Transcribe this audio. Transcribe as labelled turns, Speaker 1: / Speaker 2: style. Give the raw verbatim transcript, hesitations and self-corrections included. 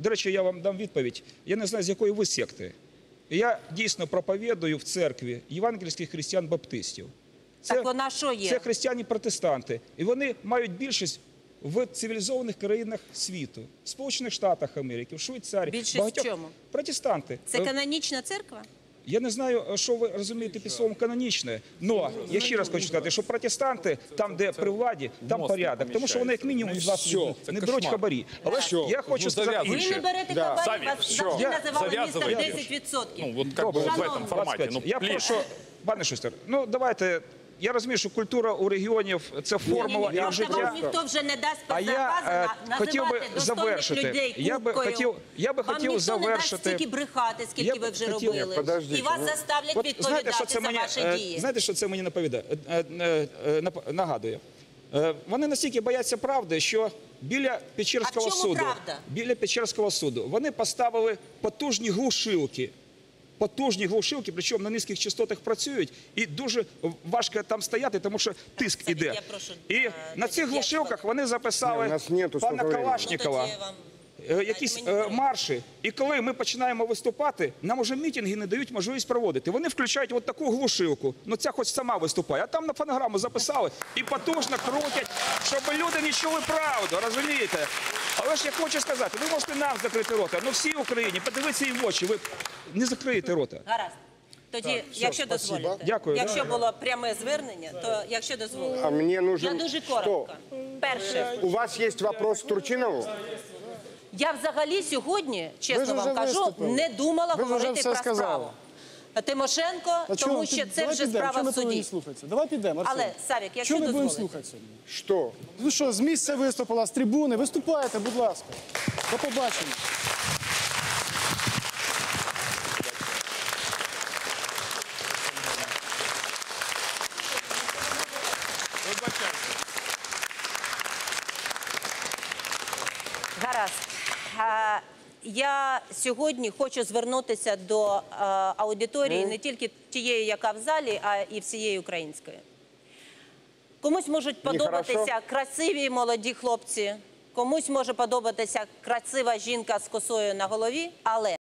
Speaker 1: до речі, я вам дам відповідь. Я не знаю, з якої ви секти. Я дійсно проповідую в церкві євангельських християн-баптистів. Це,
Speaker 2: так вона що є?
Speaker 1: Це християни-протестанти. І вони мають більшість в цивілізованих країнах світу. В Сполучених Штатах Америки, в Швейцарії.
Speaker 2: Більшість
Speaker 1: багатьох...
Speaker 2: в чому?
Speaker 1: Протестанти.
Speaker 2: Це канонічна церква?
Speaker 1: Я не знаю, що ви розумієте під словом канонічне, але я ще раз хочу сказати, що протестанти, там, де при владі, там порядок. Тому що вони, як мінімум, від вас не беруть хабарі. Але ж я хочу сказати
Speaker 2: Ви
Speaker 1: інше.
Speaker 2: не берете хабарі, вас завжди називали містер десять відсотків.
Speaker 3: Ну, вот как бы в этом формате. Ну,
Speaker 1: я прошу, пане Шустер, ну давайте... Я розумію, що культура у регіонів – це формула
Speaker 2: ні, ні,
Speaker 1: і життя.
Speaker 2: Вам ніхто вже не дасть
Speaker 1: А я е, хотів би завершити.
Speaker 2: Людей
Speaker 1: я би хотів, я би
Speaker 2: вам
Speaker 1: хотів
Speaker 2: ніхто
Speaker 1: завершити.
Speaker 2: не дасть стільки брехати, скільки
Speaker 1: я
Speaker 2: ви вже
Speaker 1: хотів...
Speaker 2: робили.
Speaker 4: Подождите,
Speaker 2: і вас
Speaker 4: ну...
Speaker 2: заставлять
Speaker 1: От,
Speaker 2: відповідати
Speaker 1: знаєте, що це
Speaker 2: за
Speaker 1: мені,
Speaker 2: ваші
Speaker 1: е,
Speaker 2: дії.
Speaker 1: знаєте, що це мені наповідає? Е, е, е, нагадує. Е, вони настільки бояться правди, що біля Печерського
Speaker 2: А в чому
Speaker 1: суду,
Speaker 2: правда?
Speaker 1: біля Печерського суду вони поставили потужні глушилки. Потужні глушилки, причому на низьких частотах працюють, і дуже важко там стояти, тому що тиск
Speaker 2: Савік,
Speaker 1: іде.
Speaker 2: я прошу,
Speaker 1: І
Speaker 2: е,
Speaker 1: на цих глушилках вони записали
Speaker 4: Ні,
Speaker 1: пана Калашнікова,
Speaker 2: Тоді вам-
Speaker 1: е, якісь е, марші. І коли ми починаємо виступати, нам уже мітинги не дають можливість проводити. Вони включають от таку глушилку, ну ця хоч сама виступає, а там на фонограму записали і потужно крутять, щоб люди не чули правду, розумієте? Але ж я хочу сказати, ви можете нам закрити рота, ну всій Україні, подивіться їм в очі, ви не закриєте рота.
Speaker 2: Гаразд. Тоді, якщо дозволите,
Speaker 1: Дякую.
Speaker 2: якщо було пряме звернення, то якщо дозволите.
Speaker 4: А мне нужен...
Speaker 2: Я дуже коротко. Перше,
Speaker 4: У вас есть вопрос к Турчинову?
Speaker 2: я взагалі сьогодні,
Speaker 5: Ви
Speaker 2: чесно
Speaker 5: ж
Speaker 2: вам
Speaker 5: вже
Speaker 2: кажу,
Speaker 5: виступили.
Speaker 2: не думала
Speaker 5: Ви ж вже
Speaker 2: говорити
Speaker 5: все
Speaker 2: про
Speaker 5: сказали.
Speaker 2: справу Тимошенко,
Speaker 5: А
Speaker 2: тому
Speaker 5: чого?
Speaker 2: що
Speaker 5: Ти-
Speaker 2: це
Speaker 5: давай
Speaker 2: вже
Speaker 5: підемо.
Speaker 2: справа
Speaker 5: Чого
Speaker 2: в
Speaker 5: ми повинні
Speaker 2: суді.
Speaker 5: слухатися? Давай підемо, Арсен.
Speaker 2: Але, Савік, якщо
Speaker 5: Чого ми будемо
Speaker 2: дозволите.
Speaker 5: слухатися?
Speaker 4: Что?
Speaker 5: Ви що, з місця виступила, з трибуни? Виступайте, будь ласка. До побачення.
Speaker 2: Гаразд. А, Я сьогодні хочу звернутися до а, аудиторії, не тільки тієї, яка в залі, а і всієї української. Комусь можуть подобатися
Speaker 4: Нехорошо.
Speaker 2: красиві молоді хлопці, комусь може подобатися красива жінка з косою на голові, але